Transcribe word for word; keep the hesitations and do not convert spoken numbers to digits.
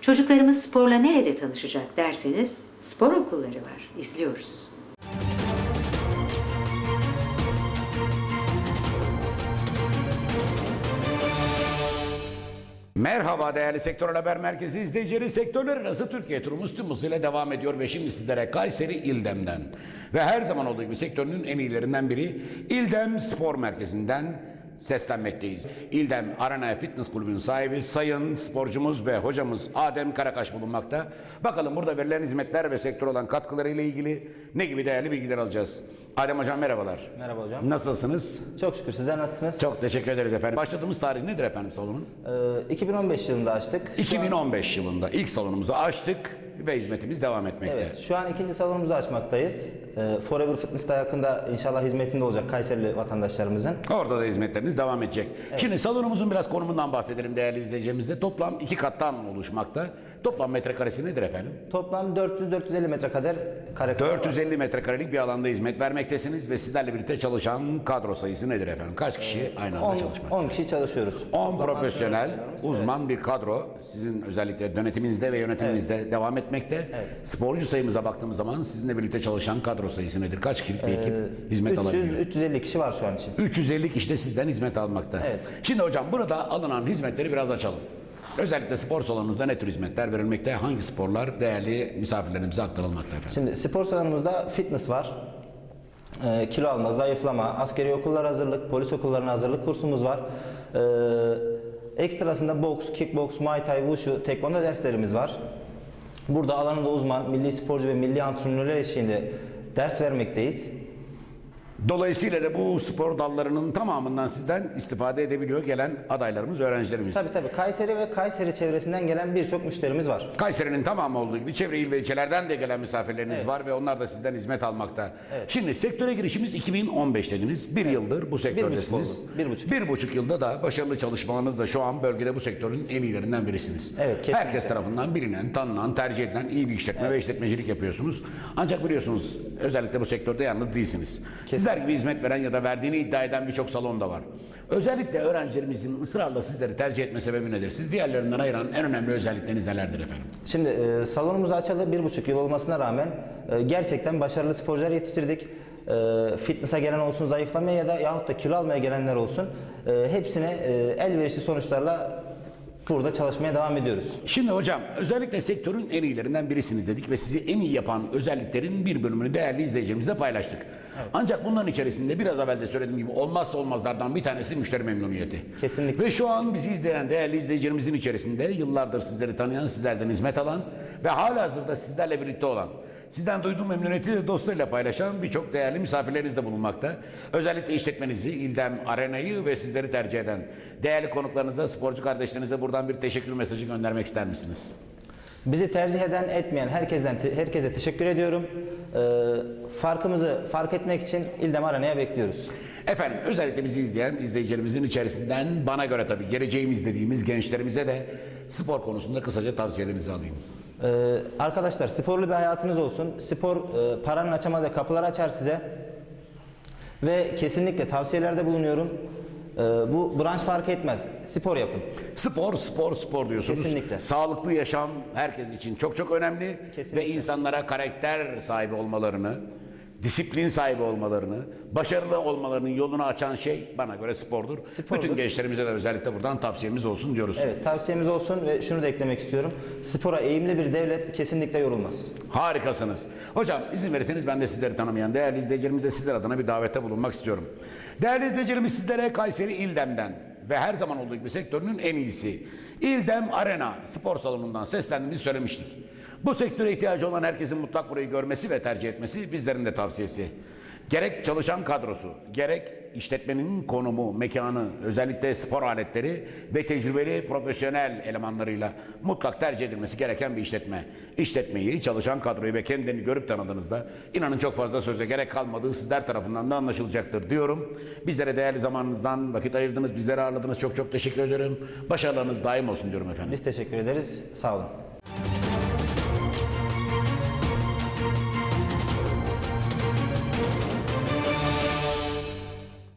Çocuklarımız sporla nerede tanışacak derseniz spor okulları var. İzliyoruz. Merhaba değerli Sektör Haber Merkezi izleyicileri. Sektörler arası Türkiye turumuz tüm hızıyla devam ediyor ve şimdi sizlere Kayseri İldem'den ve her zaman olduğu gibi sektörünün en iyilerinden biri İldem Spor Merkezi'nden seslenmekteyiz. İldem Arena Fitness Kulübü'nün sahibi sayın sporcumuz ve hocamız Adem Karakaş bulunmakta. Bakalım burada verilen hizmetler ve sektör olan katkılarıyla ilgili ne gibi değerli bilgiler alacağız. Adem hocam merhabalar. Merhaba hocam. Nasılsınız? Çok şükür, sizler nasılsınız? Çok teşekkür ederiz efendim. Başladığımız tarih nedir efendim salonun? Ee, iki bin on beş yılında açtık. iki bin on beş yılında ilk salonumuzu açtık ve hizmetimiz devam etmekte. Evet, şu an ikinci salonumuzu açmaktayız. Ee, Forever Fitness'ta yakında inşallah hizmetinde olacak Kayserili vatandaşlarımızın. Orada da hizmetleriniz devam edecek. Evet. Şimdi salonumuzun biraz konumundan bahsedelim değerli izleyicilerimizle. Toplam iki kattan oluşmakta. Toplam metrekaresi nedir efendim? Toplam dört yüz dört yüz elli metrekare kare. dört yüz elli metrekarelik bir alanda hizmet vermektesiniz ve sizlerle birlikte çalışan kadro sayısı nedir efendim? Kaç kişi aynı anda çalışmakta? on kişi çalışıyoruz. on profesyonel, uzman evet. bir kadro sizin özellikle yönetiminizde ve yönetiminizde evet. devam etmekte. Evet. Sporcu sayımıza baktığımız zaman sizinle birlikte çalışan kadro sayısı nedir? Kaç kişilik bir ekip ee, hizmet alabiliyor? üç yüz elli kişi var şu an için. üç yüz elli kişi de sizden hizmet almakta. Evet. Şimdi hocam burada alınan hizmetleri biraz açalım. Özellikle spor salonunuzda ne tür hizmetler verilmekte? Hangi sporlar değerli misafirlerimize aktarılmakta efendim? Şimdi spor salonumuzda fitness var. E, kilo alma, zayıflama, askeri okullar hazırlık, polis okullarına hazırlık kursumuz var. E, ekstrasında boks, kickboks, muay thai, wushu, tekvando derslerimiz var. Burada alanında uzman, milli sporcu ve milli antrenörler eşliğinde ders vermekteyiz. Dolayısıyla da bu spor dallarının tamamından sizden istifade edebiliyor gelen adaylarımız, öğrencilerimiz. Tabii tabii. Kayseri ve Kayseri çevresinden gelen birçok müşterimiz var. Kayseri'nin tamamı olduğu gibi çevre il ve ilçelerden de gelen misafirleriniz evet. var ve onlar da sizden hizmet almakta. Evet. Şimdi sektöre girişimiz iki bin on beş dediniz. Bir evet. yıldır bu sektördesiniz. Bir buçuk, bir buçuk yılda da başarılı çalışmalarınızla şu an bölgede bu sektörün en iyilerinden birisiniz. Evet, kesinlikle. Herkes tarafından bilinen, tanınan, tercih edilen iyi bir işletme evet. ve işletmecilik yapıyorsunuz. Ancak biliyorsunuz özellikle bu sektörde yalnız değilsiniz. Kesinlikle. Sizler gibi hizmet veren ya da verdiğini iddia eden birçok salon da var. Özellikle öğrencilerimizin ısrarla sizleri tercih etme sebebi nedir? Siz diğerlerinden ayıran en önemli özellikleriniz nelerdir efendim? Şimdi e, salonumuzu açalı bir buçuk yıl olmasına rağmen e, gerçekten başarılı sporcular yetiştirdik. E, fitness'a gelen olsun, zayıflamaya ya da yahut da kilo almaya gelenler olsun. E, hepsine e, elverişli sonuçlarla burada çalışmaya devam ediyoruz. Şimdi hocam özellikle sektörün en iyilerinden birisiniz dedik ve sizi en iyi yapan özelliklerin bir bölümünü değerli izleyicilerimizle paylaştık. Evet. Ancak bunların içerisinde biraz evvel de söylediğim gibi olmazsa olmazlardan bir tanesi müşteri memnuniyeti. Kesinlikle. Ve şu an bizi izleyen değerli izleyicilerimizin içerisinde yıllardır sizleri tanıyan, sizlerden hizmet alan ve halihazırda sizlerle birlikte olan, sizden duyduğum memnuniyeti de dostlarıyla paylaşan birçok değerli misafirleriniz de bulunmakta. Özellikle işletmenizi, İldem Arena'yı ve sizleri tercih eden değerli konuklarınıza, sporcu kardeşlerinize buradan bir teşekkür mesajı göndermek ister misiniz? Bizi tercih eden, etmeyen herkesten herkese teşekkür ediyorum. Ee, farkımızı fark etmek için İldem Arena'ya bekliyoruz. Efendim özellikle bizi izleyen izleyicilerimizin içerisinden bana göre tabii geleceğimiz dediğimiz gençlerimize de spor konusunda kısaca tavsiyelerinizi alayım. Ee, arkadaşlar sporlu bir hayatınız olsun. Spor e, paranın açamadığı kapılar açar size. Ve kesinlikle tavsiyelerde bulunuyorum. Ee, bu branş fark etmez. Spor yapın. Spor, spor, spor diyorsunuz. Kesinlikle. Sağlıklı yaşam herkes için çok çok önemli. Kesinlikle. Ve insanlara karakter sahibi olmalarını, disiplin sahibi olmalarını, başarılı olmalarının yolunu açan şey bana göre spordur. Spordur. Bütün gençlerimize de özellikle buradan tavsiyemiz olsun diyoruz. Evet, tavsiyemiz olsun ve şunu da eklemek istiyorum. Spora eğimli bir devlet kesinlikle yorulmaz. Harikasınız. Hocam izin verirseniz ben de sizleri tanımayan değerli izleyicilerimize sizler adına bir davette bulunmak istiyorum. Değerli izleyicilerimiz sizlere Kayseri İldem'den ve her zaman olduğu gibi sektörünün en iyisi İldem Arena spor salonundan seslendiğimizi söylemiştik. Bu sektöre ihtiyacı olan herkesin mutlak burayı görmesi ve tercih etmesi bizlerin de tavsiyesi. Gerek çalışan kadrosu, gerek işletmenin konumu, mekanı, özellikle spor aletleri ve tecrübeli profesyonel elemanlarıyla mutlak tercih edilmesi gereken bir işletme. İşletmeyi, çalışan kadroyu ve kendini görüp tanıdığınızda inanın çok fazla söze gerek kalmadığı sizler tarafından da anlaşılacaktır diyorum. Bizlere değerli zamanınızdan vakit ayırdınız, bizleri ağırladınız. Çok çok teşekkür ederim. Başarılarınız daim olsun diyorum efendim. Biz teşekkür ederiz. Sağ olun.